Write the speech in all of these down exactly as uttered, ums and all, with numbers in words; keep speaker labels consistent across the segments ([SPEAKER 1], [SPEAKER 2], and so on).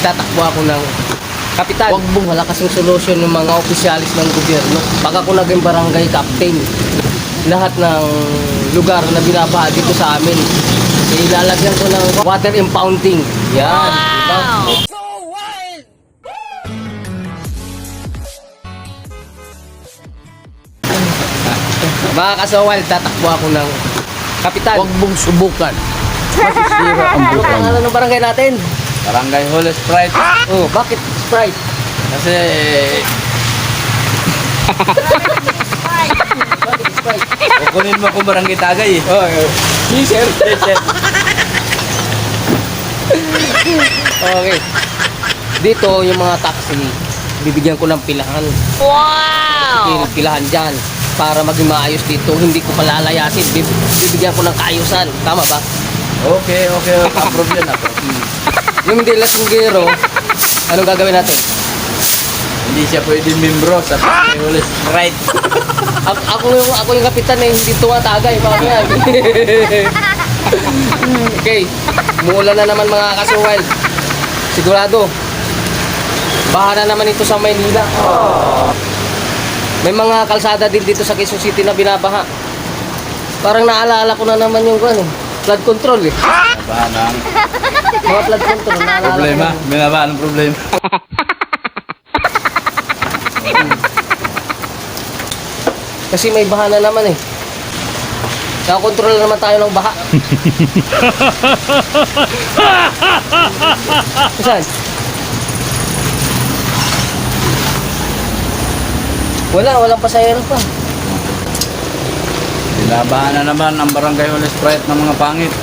[SPEAKER 1] Tatakbo ako ng kapitan. Wag mong wala kasing solusyon ng mga opisyalis ng gobyerno. Pag ako naging barangay captain, lahat ng lugar na binabaha dito sa amin, ilalagyan ko ng water impounding. Yan, wow! Diba? So wild! Mga kasawal, tatakbo ako ng kapitan.
[SPEAKER 2] Huwag mong subukan. Masisira ang
[SPEAKER 1] Ano
[SPEAKER 2] buhay.
[SPEAKER 1] pangalan ng barangay natin?
[SPEAKER 2] Barangay Holy Sprite.
[SPEAKER 1] Oh, bakit Sprite?
[SPEAKER 2] Kasi
[SPEAKER 1] Bakit Sprite?
[SPEAKER 2] kukunin mo kung barangay Tagay eh.
[SPEAKER 1] Oh, yes, sir. Okay. Dito, yung mga taxi, bibigyan ko ng pilahan.
[SPEAKER 3] Wow!
[SPEAKER 1] Pil- Pilahan dyan. Para maging maayos dito, hindi ko palalayasin. Bib- Bibigyan ko ng kaayusan. Tama ba?
[SPEAKER 2] Okay, okay. Approve yan ako.
[SPEAKER 1] Yung hindi lasinggero, anong gagawin natin?
[SPEAKER 2] Hindi siya pwede membro sa Barangay Holy Sprite.
[SPEAKER 1] Ako, ako yung ako yung kapitan eh, hindi tumatagay mamaya. Okay. Muulan na naman mga kasuwal. Sigurado. Baha na naman ito sa Maynila. May mga kalsada din dito sa Quezon City na binabaha. Parang naalala ko na naman yung ano, flood control eh.
[SPEAKER 2] Banang
[SPEAKER 1] Mga flood control naalala ko
[SPEAKER 2] problema.
[SPEAKER 1] na.
[SPEAKER 2] May ba anong problema?
[SPEAKER 1] Kasi may baha na naman eh. Nakakontrol na naman tayo ng baha. Saan? Wala, walang pasahero pa.
[SPEAKER 2] Binabahan na naman ang Barangay Holy Sprite ng mga pangit.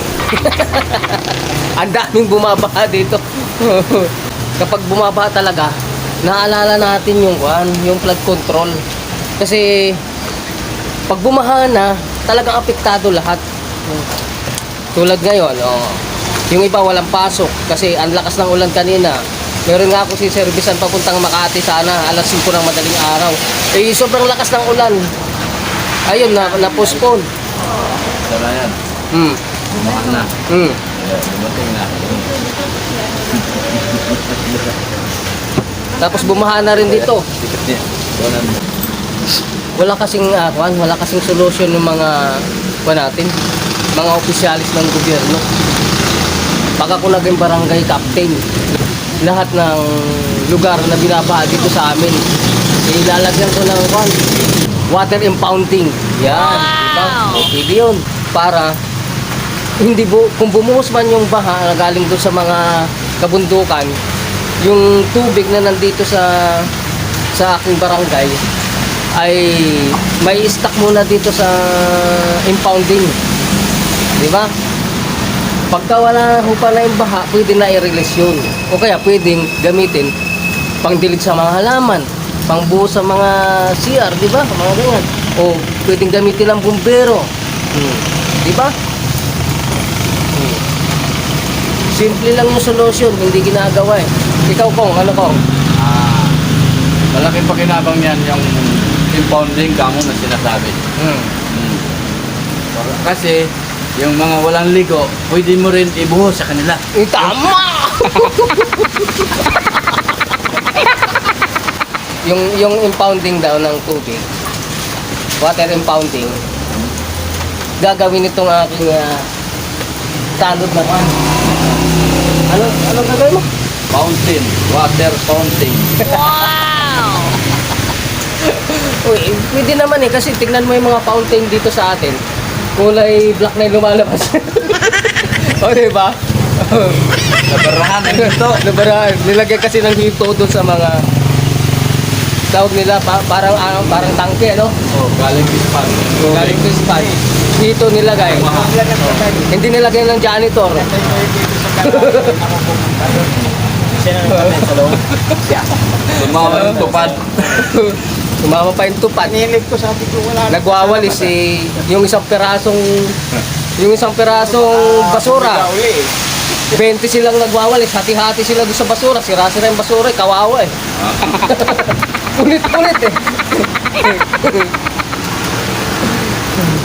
[SPEAKER 1] Ang daming bumabaha dito. Kapag bumabaha talaga, naalala natin yung kwan, yung flood control. Kasi pag bumaha na, talagang apektado lahat. Tulad ngayon, oh, yung iba walang pasok kasi ang lakas ng ulan kanina. Meron nga ako si servisan papuntang Makati sana alas singko ng madaling araw. Eh sobrang lakas ng ulan. Ayun na na-postpone.
[SPEAKER 2] Sana yan.
[SPEAKER 1] Hmm.
[SPEAKER 2] Bumahan na.
[SPEAKER 1] Hmm.
[SPEAKER 2] Yeah, dumating na.
[SPEAKER 1] Tapos bumaha na rin dito.
[SPEAKER 2] Ticket niya. Wala na.
[SPEAKER 1] Wala kasing uh, kwan, wala kasing solusyon ng mga kwan natin, mga opisyalis ng gobyerno. Pag ako naging barangay captain, lahat ng lugar na binabaha dito sa amin, ilalagyan ko ng kwan, water impounding. Yan,
[SPEAKER 3] Wow!
[SPEAKER 1] diba? Pwede yun. Para hindi bu kung bumuhos man yung baha na galing doon sa mga kabundukan, yung tubig na nandito sa sa aking barangay ay may stock muna dito sa impounding. Di ba? Pagka wala ho pa na yung baha, pwede na i-release yun. O kaya pwedeng gamitin pangdilig sa mga halaman, pangbuhos sa mga C R, di ba? Mga ganyan. O pwedeng gamitin ng bumbero. Hmm. Di ba? Hmm. Simple lang yung solution, hindi ginagawa eh. Ikaw Kong, ano Kong?
[SPEAKER 2] Ah, malaking pakinabang yan yung impounding kamo na sinasabi.
[SPEAKER 1] Hmm.
[SPEAKER 2] Hmm. Kasi yung mga walang ligo, pwede mo rin ibuhos sa kanila.
[SPEAKER 1] Eh, tama! yung yung impounding daw ng tubig, water impounding, gagawin itong aking uh, tanod na kan. Ano, ano gagawin mo?
[SPEAKER 2] Fountain, water fountain.
[SPEAKER 3] Wow!
[SPEAKER 1] Uy, pwede naman eh, kasi tignan mo yung mga fountain dito sa atin. Kulay black na yung lumalabas. O, diba?
[SPEAKER 2] Nabarahan ang ito.
[SPEAKER 1] Nabarahan. Nilagyan kasi ng hito doon sa mga tawag nila, pa, parang ano, parang tangke, no?
[SPEAKER 2] Oh, galing pispan.
[SPEAKER 1] Galing to span. Hito nilagay. Hindi nilagyan ng janitor.
[SPEAKER 2] Tumawa yung tupad.
[SPEAKER 1] Sumama pa yung tupad.
[SPEAKER 4] Nilig ko, sabi ko wala.
[SPEAKER 1] Nagwawalis eh, yung isang pirasong yung isang pirasong basura. twenty silang nagwawalis, hati-hati sila doon sa basura. Sira-sira yung basura, eh, kawawa eh. Ulit-ulit eh.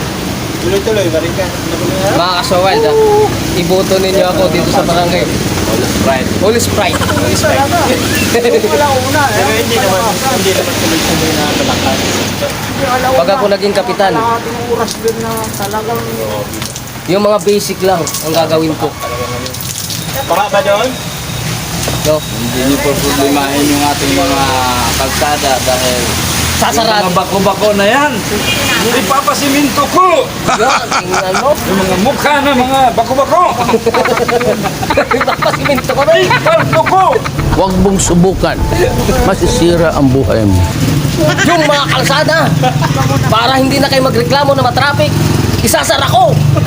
[SPEAKER 4] Tuloy-tuloy, balik ka.
[SPEAKER 1] Mga kasawal, ah, iboto ninyo ako dito sa barangay.
[SPEAKER 2] Right.
[SPEAKER 1] Holy Sprite. Holy Sprite.
[SPEAKER 4] Wala una.
[SPEAKER 5] Pero hindi naman, hindi naman tuloy-tuloy na malakas.
[SPEAKER 1] Pag ako naging kapitan,
[SPEAKER 4] Kalahating oras din na talagang
[SPEAKER 1] yung mga basic lang ang gagawin ko.
[SPEAKER 5] Baka ba doon?
[SPEAKER 1] No?
[SPEAKER 2] Hindi niyo po problemahin yung ating mga kalsada dahil
[SPEAKER 1] Sasarado.
[SPEAKER 2] yung mga bako-bako na yan. Ipapasiminto ko!
[SPEAKER 1] Yan, tingnan mo.
[SPEAKER 2] Yung mga mukha na mga bako-bako!
[SPEAKER 1] Ipapasimento ko na.
[SPEAKER 2] Ipalto ko!
[SPEAKER 6] Huwag mong subukan. Masisira ang buhay mo.
[SPEAKER 1] Yung mga kalsada. Para hindi na kayo magreklamo na matraffic, isasara ko.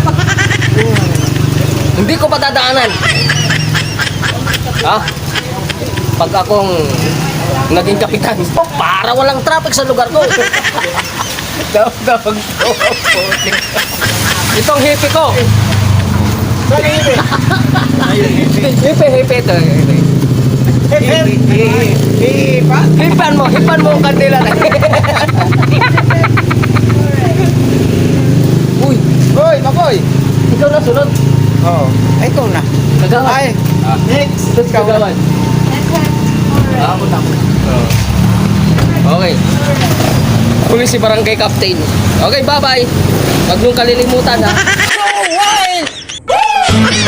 [SPEAKER 1] Hindi ko patadaanan. Ha? Pag akong naging kapitan, para walang traffic sa lugar ko. Dawag ko. Itong hippie ko. Hippie, hippie ito. Hipan mo, hipan mo ang kandila na. Uy,
[SPEAKER 4] Hoy, Makoy!
[SPEAKER 1] ikaw na sunod.
[SPEAKER 4] Oo. Ay, ikaw na.
[SPEAKER 1] Kagawan.
[SPEAKER 4] Ay, next!
[SPEAKER 1] Sunod kagawan. Ako na ako. Okay. Huli si Barangay Captain. Okay, bye-bye. Huwag niyong kalilimutan ha.